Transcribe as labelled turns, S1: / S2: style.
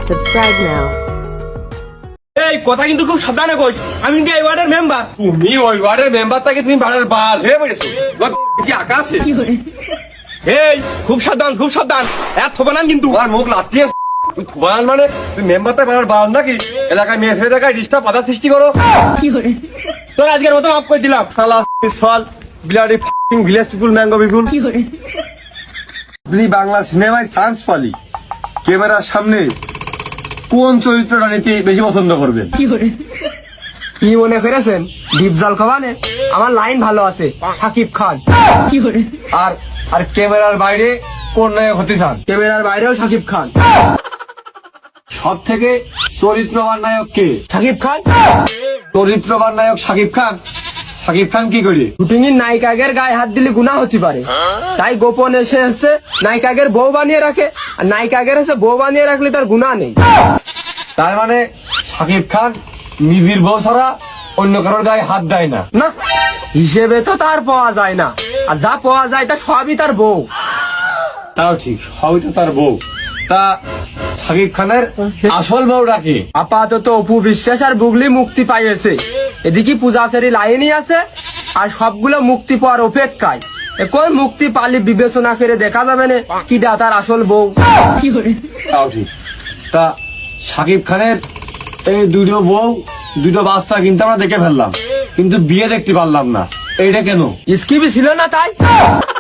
S1: Subscribe now.
S2: এই কথা কিন্তু খুব সাবধানে কইস। আমি কিন্তু এই ওয়ার্ডের মেম্বার।
S3: তুমি ওই ওয়ার্ডের মেম্বারটাকে তুমি বাড়ার বাল হয়ে পড়েছো কি আকাশে
S2: এই খুব সাবধান খুব সাবধান। এত বানান কিন্তু
S3: তোমার মুখ লাতিয়ে তুই থুবান মানে তুই মেম্বারটা বাড়ার বাল নাকি এলাকায় মেয়ে ছেলে এলাকায় ডিস্টার্ব বাধা সৃষ্টি করো
S2: তোর আজকের মতো মাফ করে দিলাম।
S3: শালা সল bloody fucking village people mango people আপনি বাংলা সিনেমায় চান্স পালি ক্যামেরার সামনে কোন চরিত্রটা নিতে বেশি পছন্দ করবেন?
S2: কি মনে করেছেন ডিপজল খাবানে? আমার লাইন ভালো আছে, সাকিব খান।
S3: আর আর ক্যামেরার বাইরে কোন নায়ক হতে চান?
S2: ক্যামেরার বাইরেও সাকিব খান।
S3: সব থেকে চরিত্রবান নায়ক কে?
S2: সাকিব খান।
S3: চরিত্রবান নায়ক সাকিব খান। সাকিব খান কি করে?
S2: শুটিং এর নায়িকাগের গায়ে হাত দিলে গুনাহ হতে পারে, তাই গোপন এসে এসে নায়িকাগের বউ বানিয়ে রাখে, আর নায়িকাগের এসে বউ বানিয়ে রাখলে তার গুনাহ নেই।
S3: তার মানে সাকিব খান নিজের বউ ছাড়া অন্য কারোর গায়ে হাত দেয় না।
S2: না, হিসেবে তো তার পাওয়া যায় না, আর যা পাওয়া যায় তা সবই তার বউ।
S3: তাও ঠিক, সবই তো তার বউ। তা সাকিব খানের আসল বউটা কি?
S2: আপাতত অপু বিশ্বাস আর বুগলি মুক্তি পাইয়েছে, এদিকে পূজাচেরি লাইনই আছে, আর সবগুলো মুক্তি পাওয়ার অপেক্ষায়। এখন মুক্তি পালি বিবেচনা করে দেখা যাবে না কিটা তার আসল বউ।
S3: তাও ঠিক। তা সাকিব খানের এই দুটো বউ দুটো বাচ্চা কিন্তু আমরা দেখে ফেললাম, কিন্তু বিয়ে দেখতে পারলাম না, এইটা কেন?
S2: স্কিপই ছিল না তাই।